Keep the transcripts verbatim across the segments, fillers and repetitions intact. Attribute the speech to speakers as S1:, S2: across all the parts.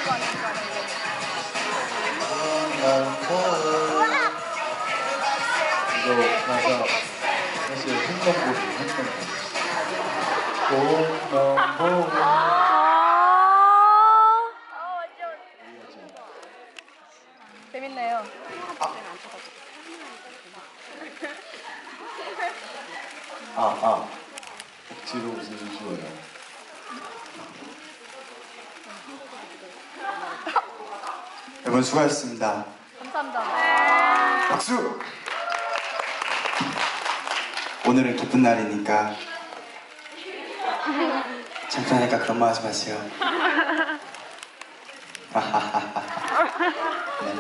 S1: 이거 가사 사실 흥정곡이 흥정곡 공명보
S2: 재밌네요.
S1: 아, 아. 억지로 웃어주시고요.
S3: 여러분 수고하셨습니다.
S2: 감사합니다.
S3: 박수! 오늘은 기쁜 날이니까 창피하니까 그런 말 하지 마세요. 네.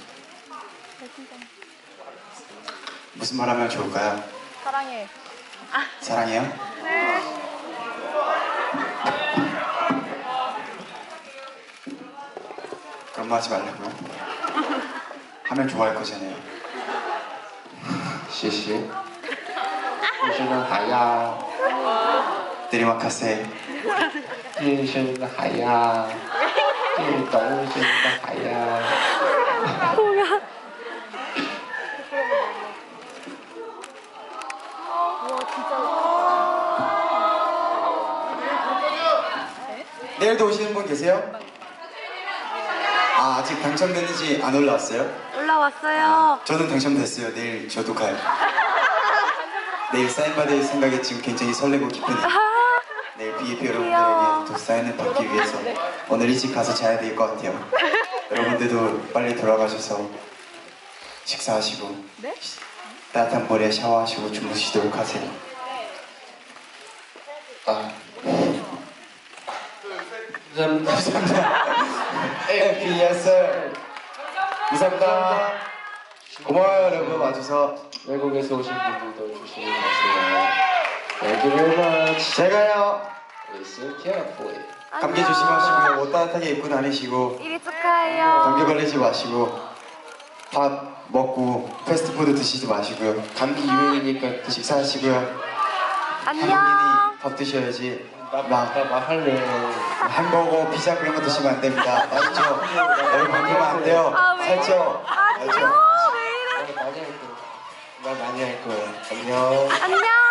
S3: 무슨 말 하면 좋을까요?
S2: 사랑해.
S3: 사랑해요?
S2: 네.
S3: 그런 말 하지 말라고요? 하면 좋아할 거잖아요.
S1: 谢谢医生的海呀
S3: 내리막하세.
S1: 医生的海呀是动物生的海呀
S3: 내일도 오시는 분 계세요? 아, 아직 당첨됐는지 안 올라왔어요?
S2: 올라왔어요.
S3: 아, 저는 당첨됐어요. 내일 저도 가요. 내일 사인 받을 생각에 지금 굉장히 설레고 기쁘네요. 내일 비에이피 여러분들에게 또 사인을 받기 위해서 오늘 일찍 가서 자야 될 것 같아요. 여러분들도 빨리 돌아가셔서 식사하시고
S2: 네?
S3: 따뜻한 물에 샤워하시고 주무시도록 하세요.
S1: 아 감사합니다
S3: 에프이에스 감사합니다. 고마워요 여러분 와줘서.
S1: 외국에서 오신 분들도 조심히 가세요. Thank you very much.
S3: 잘 가요.
S1: Listen carefully.
S3: 감기 조심하시고요. 옷 따뜻하게 입고 다니시고
S2: 일이 축하해요.
S3: 감기 걸리지 마시고 밥 먹고 패스트푸드 드시지 마시고요.
S1: 감기 유행이니까
S3: 식사하시고요.
S2: 안녕.
S3: 한국인이 밥 드셔야지. 막
S1: 나 말할래.
S3: 햄버거, 피자 그런 거 드시면 안 됩니다. 알죠? 여러분 그러면 안 돼요.
S2: 아, 왜?
S3: 살쪄.
S2: 안녕.
S3: 알죠?
S2: 왜 이래?
S1: 나 많이 할 거야. 나 많이 할 거야. 안녕.
S2: 안녕.